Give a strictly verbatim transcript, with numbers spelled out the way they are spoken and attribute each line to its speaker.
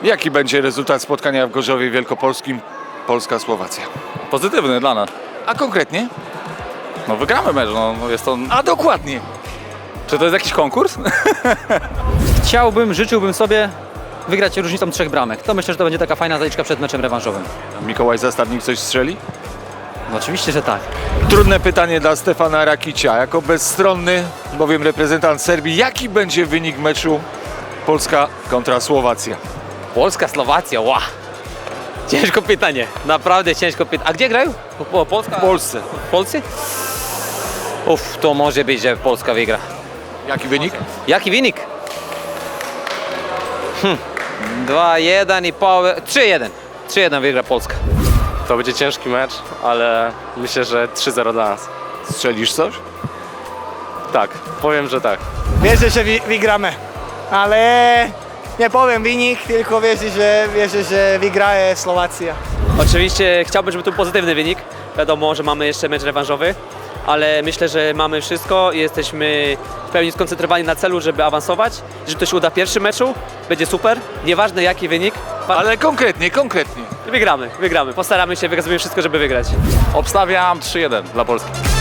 Speaker 1: Jaki będzie rezultat spotkania w Gorzowie Wielkopolskim Polska-Słowacja?
Speaker 2: Pozytywny dla nas.
Speaker 1: A konkretnie?
Speaker 2: No wygramy mecz, no no jest to...
Speaker 1: A dokładnie.
Speaker 2: Czy to jest jakiś konkurs?
Speaker 3: Chciałbym, życzyłbym sobie wygrać różnicą trzech bramek. To myślę, że to będzie taka fajna zaliczka przed meczem rewanżowym.
Speaker 1: Mikołaj Zastawnik coś strzeli?
Speaker 3: No oczywiście, że tak.
Speaker 1: Trudne pytanie dla Stefana Rakicia. Jako bezstronny, bowiem reprezentant Serbii, jaki będzie wynik meczu Polska kontra Słowacja?
Speaker 4: Polska, Słowacja, ła! Ciężko pytanie, naprawdę ciężko pytanie. A gdzie grają? Po, Polska?
Speaker 1: W Polsce.
Speaker 4: W Polsce? Uff, to może być, że Polska wygra.
Speaker 1: Jaki wynik?
Speaker 4: Jaki wynik? Hm. dwa jeden i połowę, trzy jeden. trzy jeden wygra Polska.
Speaker 5: To będzie ciężki mecz, ale myślę, że trzy zero dla nas.
Speaker 1: Strzelisz coś?
Speaker 5: Tak, powiem, że tak.
Speaker 6: Wierzę, że wi- wygramy, ale nie powiem wynik, tylko wierzę, że, wierzę, że wygra Słowacja.
Speaker 7: Oczywiście chciałbym, żeby to był pozytywny wynik. Wiadomo, że mamy jeszcze mecz rewanżowy, ale myślę, że mamy wszystko i jesteśmy w pełni skoncentrowani na celu, żeby awansować. Jeżeli to się uda w pierwszym meczu, będzie super. Nieważne jaki wynik,
Speaker 1: Ale konkretnie, konkretnie.
Speaker 7: wygramy, wygramy. Postaramy się, wykazujemy wszystko, żeby wygrać.
Speaker 2: Obstawiam trzy jeden dla Polski.